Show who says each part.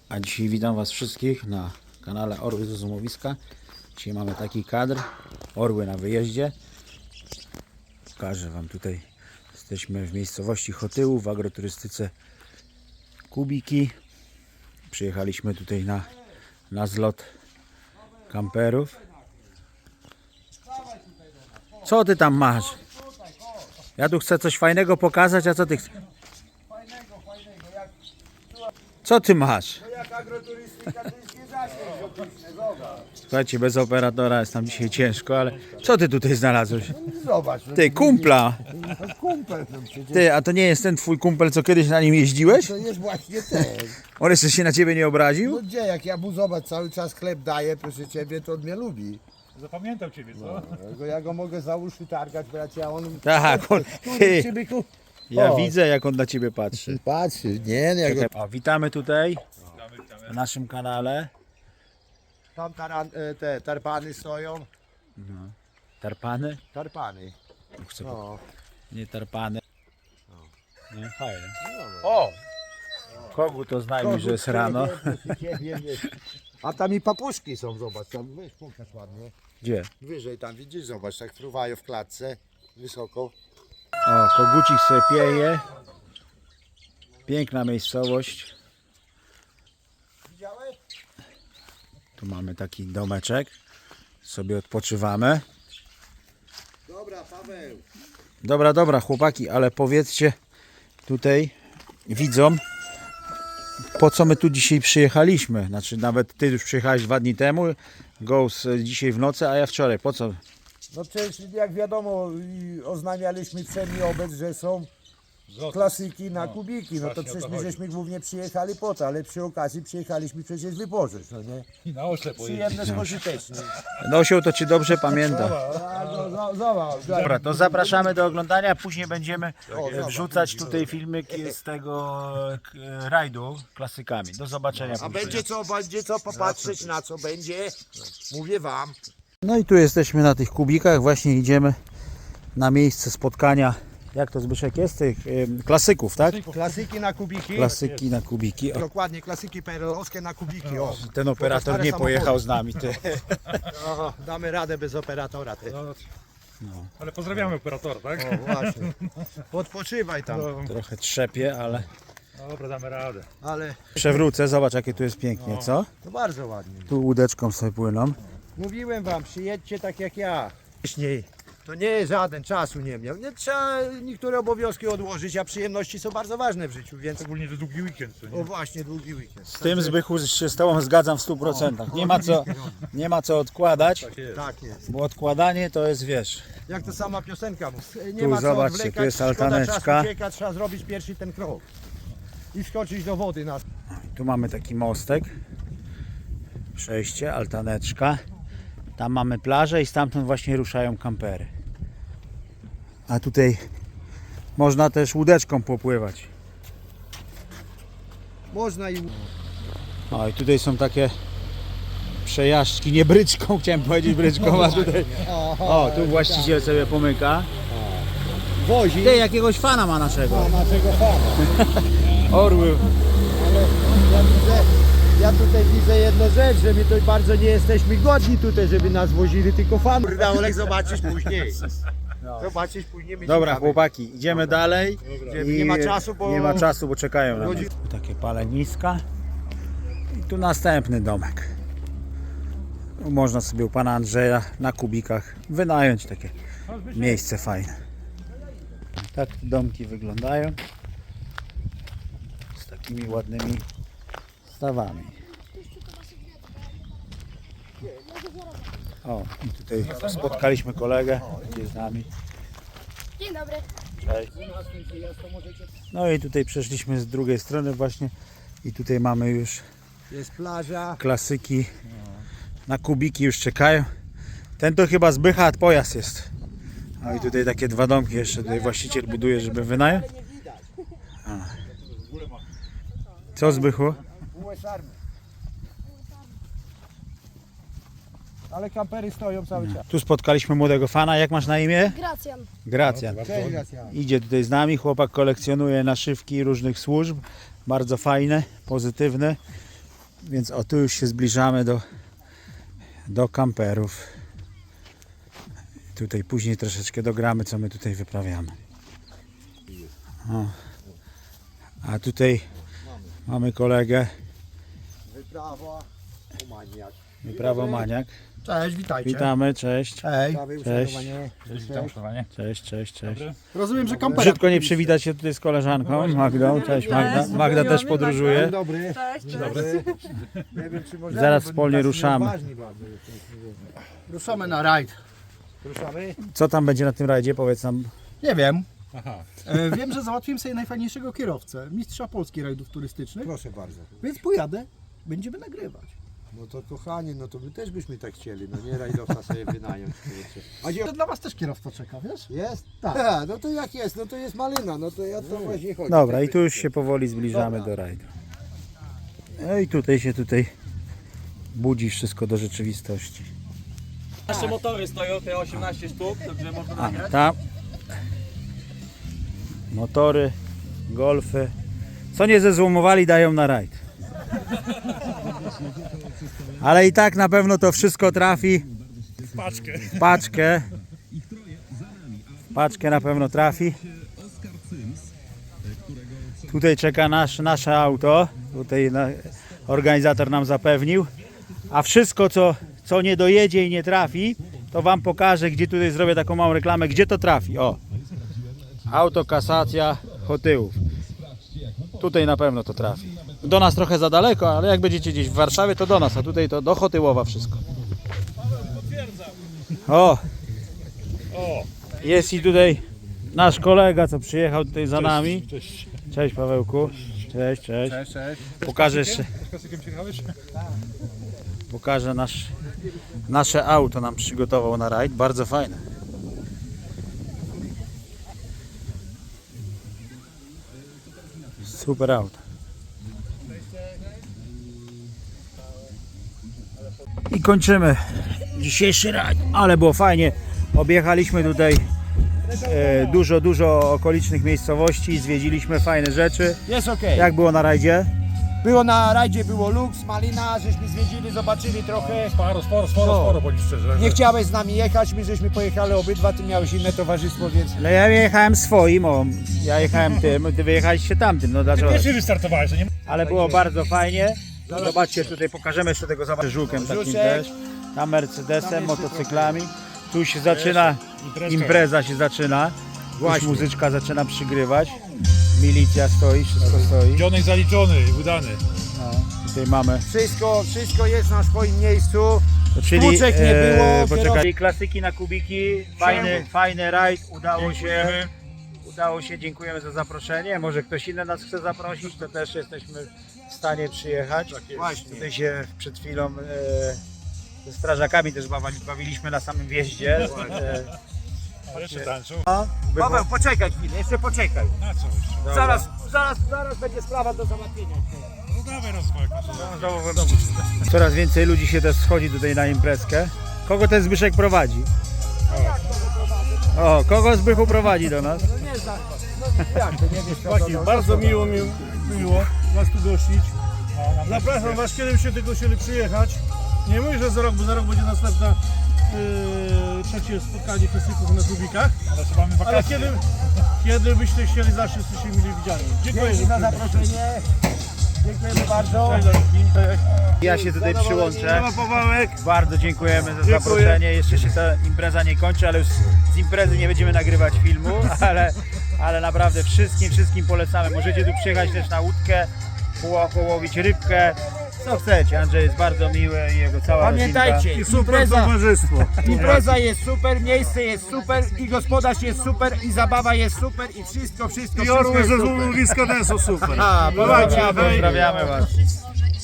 Speaker 1: A dzisiaj witam Was wszystkich na kanale Orły z Rozumowiska. Dzisiaj mamy taki kadr, orły na wyjeździe. Pokażę Wam tutaj, jesteśmy w miejscowości Chotyłów, w agroturystyce Kubiki. Przyjechaliśmy tutaj na zlot kamperów. Co Ty tam masz? Ja tu chcę coś fajnego pokazać, a co Ty chcesz? Co Ty masz?
Speaker 2: Jak agroturystyka to jest nie zasięg optyczny, zobacz.
Speaker 1: Słuchajcie, bez operatora jest nam dzisiaj ciężko, ale co Ty tutaj znalazłeś?
Speaker 2: Zobacz.
Speaker 1: Ty, kumpla!
Speaker 2: No, kumpel no przecież.
Speaker 1: Ty, a to nie jest ten Twój kumpel, co kiedyś na nim jeździłeś?
Speaker 2: To jest właśnie ten.
Speaker 1: On jeszcze się na Ciebie nie obraził?
Speaker 2: No gdzie, jak ja mu zobacz, cały czas chleb daję, proszę Ciebie, to on mnie lubi.
Speaker 3: Zapamiętał Ciebie, co?
Speaker 2: Ja go mogę za uszy targać, bracie, a on...
Speaker 1: Tak, on, ty,
Speaker 2: Przybyku.
Speaker 1: ja
Speaker 2: O.
Speaker 1: widzę, jak on na Ciebie patrzy.
Speaker 2: Patrzy, nie, no jak go...
Speaker 1: O, witamy tutaj na naszym kanale.
Speaker 2: Tam te tarpany stoją.
Speaker 1: Tarpany?
Speaker 2: Tarpany.
Speaker 1: Chcę
Speaker 2: No.
Speaker 1: Nie tarpany. Nie, fajnie. O! Kogu to znajmij, że jest rano.
Speaker 2: A tam i papuszki są, zobacz, tam weź pokaż ładnie.
Speaker 1: Gdzie?
Speaker 2: Wyżej tam widzisz, zobacz, tak fruwają w klatce, wysoko.
Speaker 1: O, kogucik sobie pieje. Piękna miejscowość.
Speaker 2: Widziałeś?
Speaker 1: Tu mamy taki domeczek. Sobie odpoczywamy.
Speaker 2: Dobra, Paweł.
Speaker 1: Dobra, chłopaki, ale powiedzcie tutaj widzom, po co my tu dzisiaj przyjechaliśmy. Znaczy nawet Ty już przyjechałeś 2 dni temu, Ghost dzisiaj w nocy, a ja wczoraj. Po co?
Speaker 2: No przecież jak wiadomo oznamialiśmy przedni obec, że są klasyki na kubiki, no to
Speaker 3: właśnie o
Speaker 2: przecież
Speaker 3: to
Speaker 2: my
Speaker 3: chodzi.
Speaker 2: żeśmy głównie przyjechali po to, ale przy okazji przyjechaliśmy przecież wypożyć, no nie?
Speaker 3: I na oślep pojedzie.
Speaker 2: Przyjemne spożytecznie.
Speaker 1: Nosioł to Cię dobrze pamięta.
Speaker 2: Zobacz,
Speaker 1: Dobra, to zapraszamy do oglądania, później będziemy wrzucać tutaj filmiki z tego rajdu klasykami. Do zobaczenia.
Speaker 2: a będzie co popatrzeć na co będzie, mówię wam.
Speaker 1: No i tu jesteśmy na tych kubikach, właśnie idziemy na miejsce spotkania, jak to Zbyszek jest, tych klasyków, tak?
Speaker 2: Klasyki na kubiki.
Speaker 1: Klasyki na kubiki. O,
Speaker 2: Dokładnie, klasyki PRL-owskie na kubiki. O.
Speaker 1: ten operator
Speaker 2: stare
Speaker 1: nie
Speaker 2: samochody.
Speaker 1: pojechał z nami. Ty.
Speaker 2: Aha, damy radę bez operatora. Ty.
Speaker 3: Ale pozdrawiamy operatora, tak?
Speaker 2: O, właśnie. Odpoczywaj tam.
Speaker 1: Trochę trzepie, ale
Speaker 3: Dobra, damy radę.
Speaker 2: Ale
Speaker 1: przewrócę. Zobacz, jakie tu jest pięknie, co?
Speaker 2: to bardzo ładnie.
Speaker 1: Tu łódeczką sobie płyną.
Speaker 2: Mówiłem wam, przyjedźcie tak jak ja. Wcześniej. To nie jest żaden, czasu nie miał. Nie trzeba niektóre obowiązki odłożyć, a przyjemności są bardzo ważne w życiu, więc...
Speaker 3: Szczególnie, że długi weekend, co nie?
Speaker 2: O właśnie, długi weekend.
Speaker 1: Z tym Zbychu się z Tobą zgadzam w 100%. Nie ma co odkładać,
Speaker 2: Tak jest.
Speaker 1: bo odkładanie to jest, wiesz,
Speaker 2: Jak to sama piosenka mówi. Nie
Speaker 1: Tu
Speaker 2: ma co
Speaker 1: zobaczcie,
Speaker 2: odwlekać,
Speaker 1: tu jest
Speaker 2: szkoda
Speaker 1: altaneczka.
Speaker 2: czasu ucieka, trzeba zrobić pierwszy ten krok. I wskoczyć do wody na...
Speaker 1: tu mamy taki mostek, przejście, altaneczka. Tam mamy plażę i stamtąd właśnie ruszają kampery. A tutaj można też łódeczką popływać.
Speaker 2: Można i...
Speaker 1: O, i tutaj są takie przejażdżki, nie bryczką, chciałem powiedzieć bryczką, a tutaj... O, tu właściciel sobie pomyka.
Speaker 2: Wozi.
Speaker 1: Ty, jakiegoś fana ma naszego.
Speaker 2: Naszego fana.
Speaker 1: Orły.
Speaker 2: Ale ja tutaj widzę jedną rzecz, że my tutaj bardzo nie jesteśmy godni tutaj, żeby nas wozili, tylko fan. Kurde, Olek, zobaczysz później. Zobaczysz później. my
Speaker 1: Dobra,
Speaker 2: ciekawe.
Speaker 1: chłopaki, idziemy dalej.
Speaker 2: Nie ma czasu, bo...
Speaker 1: Nie ma czasu, bo czekają na nas. Takie paleniska. I tu następny domek. Tu można sobie u pana Andrzeja na kubikach wynająć takie miejsce fajne. Tak te domki wyglądają. Z takimi ładnymi stawami. O, i tutaj spotkaliśmy kolegę, jest z nami.
Speaker 4: Dzień dobry.
Speaker 1: Cześć. No i tutaj przeszliśmy z drugiej strony właśnie i tutaj mamy już
Speaker 2: Jest plaża.
Speaker 1: klasyki. Na kubiki już czekają. Ten to chyba Zbycha pojazd jest. No i tutaj takie 2 domki jeszcze tutaj właściciel buduje, żeby wynająć. A. Co Zbychu?
Speaker 2: US Army. Ale kampery stoją cały czas.
Speaker 1: Tu spotkaliśmy młodego fana. Jak masz na imię?
Speaker 4: Gracjan.
Speaker 1: Gracjan.
Speaker 2: Cześć, Gracjan.
Speaker 1: Idzie tutaj z nami. Chłopak kolekcjonuje naszywki różnych służb. Bardzo fajne, pozytywne. Więc o tu już się zbliżamy do kamperów. Tutaj później troszeczkę dogramy, co my tutaj wyprawiamy. O. A tutaj mamy kolegę,
Speaker 2: Wyprawa, Umaniak.
Speaker 1: Wyprawa Maniak.
Speaker 2: Cześć, witajcie.
Speaker 1: Witamy, cześć.
Speaker 2: Hej.
Speaker 1: Cześć.
Speaker 3: Witam, szanowanie.
Speaker 1: Cześć.
Speaker 2: Rozumiem, że kampera.
Speaker 1: Brzydko nie przywitać się tutaj z koleżanką Magdą. Cześć Magda. Magda też podróżuje.
Speaker 2: Dzień dobry.
Speaker 4: Cześć.
Speaker 2: Dobry. Nie wiem, czy możemy,
Speaker 1: Zaraz
Speaker 2: bo
Speaker 1: wspólnie
Speaker 2: tacy
Speaker 1: ruszamy.
Speaker 2: odważni bardzo jesteśmy. Ruszamy na rajd. Ruszamy?
Speaker 1: Co tam będzie na tym rajdzie? Powiedz nam.
Speaker 5: Nie wiem.
Speaker 3: Aha.
Speaker 5: Wiem, że załatwiłem sobie najfajniejszego kierowcę, mistrza Polski rajdów turystycznych,
Speaker 2: Proszę bardzo.
Speaker 5: więc pojadę, będziemy nagrywać.
Speaker 2: No to kochani, no to my też byśmy tak chcieli, no nie rajdowca sobie wynająć. kurczę. A gdzie
Speaker 5: To dla was też kierowca czeka, wiesz?
Speaker 2: jest?
Speaker 5: Tak.
Speaker 2: A, no to jak jest, no to jest malina, no to ja to właśnie chodzi.
Speaker 1: Dobra, i tu już się powoli zbliżamy do rajdu. No i tutaj się budzi wszystko do rzeczywistości.
Speaker 6: Nasze motory stoją, te 18 sztuk, także można
Speaker 1: A,
Speaker 6: nagrać.
Speaker 1: tam motory, golfy. Co nie zezłomowali, dają na rajd. Ale i tak na pewno to wszystko trafi
Speaker 3: Paczkę.
Speaker 1: w paczkę. W paczkę na pewno trafi. Tutaj czeka nasze auto. Tutaj organizator nam zapewnił. A wszystko co nie dojedzie i nie trafi, to wam pokażę, gdzie tutaj zrobię taką małą reklamę, gdzie to trafi. O! Autokasacja Chotyłów. Tutaj na pewno to trafi. Do nas trochę za daleko, ale jak będziecie gdzieś w Warszawie, to do nas, a tutaj to do Chotyłowa wszystko. O! Jest i tutaj nasz kolega, co przyjechał tutaj za nami.
Speaker 3: Cześć.
Speaker 1: Cześć Pawełku. Cześć.
Speaker 3: Cześć.
Speaker 1: Pokażę jeszcze.
Speaker 3: Z klasykiem przyjechałeś?
Speaker 1: Pokażę nasze auto nam przygotował na rajd. Bardzo fajne. Super auto. I kończymy dzisiejszy rajd. Ale było fajnie. Objechaliśmy tutaj dużo okolicznych miejscowości. Zwiedziliśmy fajne rzeczy.
Speaker 2: Jest okej.
Speaker 1: Jak było na rajdzie?
Speaker 2: Było na rajdzie, było luks, malina, żeśmy zwiedzili, zobaczyli trochę.
Speaker 3: Sporo, bądź szczerze.
Speaker 2: Nie chciałeś z nami jechać, my żeśmy pojechali obydwa, ty miałeś inne towarzystwo, więc...
Speaker 1: No ja jechałem swoim, ja jechałem tym, ty wyjechaliście tamtym, no dlaczego?
Speaker 3: Pierwszy wystartowałeś, to nie
Speaker 1: Ale było bardzo fajnie. Zobaczcie, tutaj pokażemy jeszcze tego żółkiem takim
Speaker 2: Żuczek.
Speaker 1: też. Tam Mercedesem, motocyklami. Tu się zaczyna, impreza się zaczyna. Już muzyczka zaczyna przygrywać. Milicja stoi, wszystko stoi.
Speaker 3: Dzionek zaliczony i udany.
Speaker 1: No, tutaj mamy.
Speaker 2: Wszystko jest na swoim miejscu.
Speaker 1: Czyli,
Speaker 2: Sztuczek nie było,
Speaker 1: poczekaj, klasyki na kubiki, fajny rajd, udało się, dziękujemy za zaproszenie. Może ktoś inny nas chce zaprosić, to też jesteśmy w stanie przyjechać.
Speaker 2: Właśnie.
Speaker 1: Tutaj się przed chwilą ze strażakami też bawiliśmy na samym wjeździe.
Speaker 3: Ale jeszcze tańczą.
Speaker 2: Paweł, poczekaj chwilę, jeszcze poczekaj.
Speaker 3: Na co już?
Speaker 2: Zaraz będzie sprawa do załatwienia.
Speaker 3: No dawaj rozwojek.
Speaker 1: Coraz więcej ludzi się też schodzi tutaj na imprezkę. Kogo ten Zbyszek prowadzi? O, kogo Zbychu prowadzi do nas?
Speaker 7: Chłopaki, bardzo miło Was tu gościć. Zapraszam Was, kiedy się tego chcieli przyjechać. Nie mówię, że za rok, bo za rok będzie następna trzecie spotkanie klasyków na Kubikach.
Speaker 3: Ale co mamy
Speaker 7: Ale
Speaker 3: wakacje.
Speaker 7: kiedy byście chcieli, zawsze jesteście mili widziani. Dziękuję
Speaker 2: Dzięki za zaproszenie. Dziękujemy bardzo.
Speaker 1: Ja się tutaj przyłączę.
Speaker 7: Pawełek.
Speaker 1: Bardzo dziękujemy za zaproszenie. Jeszcze się ta impreza nie kończy, ale już z imprezy nie będziemy nagrywać filmu, ale naprawdę wszystkim polecamy. Możecie tu przyjechać też na łódkę, połowić rybkę, co chcecie. Andrzej jest bardzo miły i jego cała
Speaker 2: Pamiętajcie,
Speaker 1: rodzinka.
Speaker 2: impreza jest super, miejsce jest super i gospodarz jest super i zabawa jest super i wszystko jest super.
Speaker 7: Złomowiska też są super.
Speaker 2: Pozdrawiamy.
Speaker 1: Pozdrawiamy Was.